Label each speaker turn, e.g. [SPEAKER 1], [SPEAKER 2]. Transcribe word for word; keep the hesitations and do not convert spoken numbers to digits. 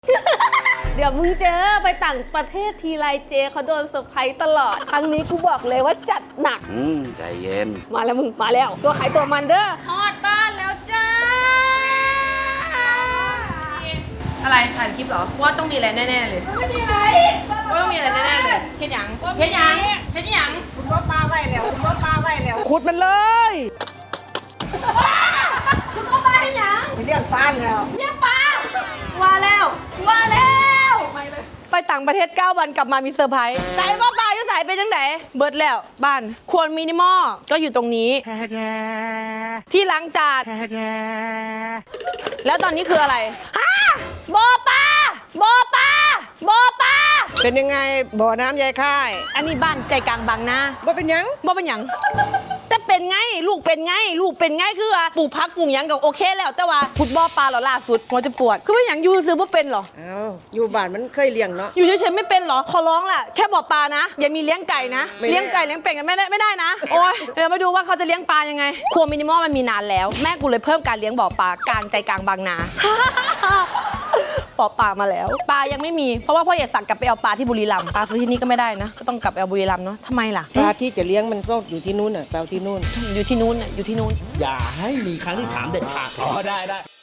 [SPEAKER 1] เดี๋ยวมึงเจอไปต่างประเทศทีไรเจเขาโดนเซอร์ไพรส์ตลอดครั้งนี้กูบอกเลยว่าจัดหนัก
[SPEAKER 2] อืมใจเย็น
[SPEAKER 1] มาแล้วมึงมาแล้วตัวขายตัวมันเด้อฮอดบ้านแล้วจ้า
[SPEAKER 3] อะไรถ่ายคลิปเหรอว่าต้องมีอะไรแน่ๆเลย
[SPEAKER 1] ไม่มีอะไร
[SPEAKER 3] ว่าต้องมีอะไรแน่ๆเลยเฮ็ดหยังเฮ็ดหยังเฮ็ดหยังคุณก็ปลาไว้แล้วคุณก็ปลาไว้แล้ว
[SPEAKER 4] ขุดมันเลย
[SPEAKER 3] คุณก็ปลาเฮ็ดหยัง
[SPEAKER 4] เรียกปลาแล้ว
[SPEAKER 3] เนี่ยปลาว่าแล้วว่าแล้ว
[SPEAKER 1] ไปต่างประเทศเก้าวันกลับมามีเซอร์ไพรส์ใส่ว่าปลาอยู่ใส่เป็นจังไหนเบิร์ดแล้วบ้านควรมินิมอลก็อยู่ตรงนี้ที่ล้างจานแล้วตอนนี้คืออะไรฮะบ่อปลาบ่อปลาบ่อปลา
[SPEAKER 4] เป็นยังไงบ่อน้ำยายค่าย
[SPEAKER 1] อันนี้บ้านใจกลางบางนา
[SPEAKER 4] บ่เป็นหยัง
[SPEAKER 1] บ่เป็นหยังแต่เป็นไงลูกเป็นไงลูกเป็นไงคือว่าปลูกพักปลูกหยังกับโอเคแล้วแต่ว่าฟุตบอลปลาเหรอล่าสุดหัวจะปวดคือว่าหยังยูซื้อบ่เป็นเหรอ
[SPEAKER 4] เอ้าอยู่บ้านมันเคยเลี้ยงเนาะ
[SPEAKER 1] อยู่เฉยๆไม่เป็นเหรอขอร้องล่ะแค่บ่อปลานะอย่ามีเลี้ยงไก่นะ
[SPEAKER 4] ไม่ได้
[SPEAKER 1] เลี้ยงไก่เลี้ยงเป็ดกันไม่ได้ไม่ได้นะโอ้ยเดี๋ยวมาดูว่าเขาจะเลี้ยงปลายังไงครัวมินิมอลมันมีนานแล้วแม่กูเลยเพิ่มการเลี้ยงบ่อปลากลางใจกลางบางนา บ่อปลามาแล้วปลายังไม่มีเพราะว่าพ่ออยากสั่งกลับไปเอาปลาที่บุรีรัมย์ปลาซื้อที่นี่ก็ไม่ได้นะก็ต้องกลับไปเอาบุรีรัมย์เนาะทำไมล่ะ
[SPEAKER 4] ปลาที่จะเลี้ยงมันก็อยู่ที่นู้นน่ะแปลที่นู้น
[SPEAKER 1] อยู่ที่นู้นน่ะอยู่ที่นู้น
[SPEAKER 5] อย่าให้มีครั้งที่สามเด็ดขาดอ๋อได้ได้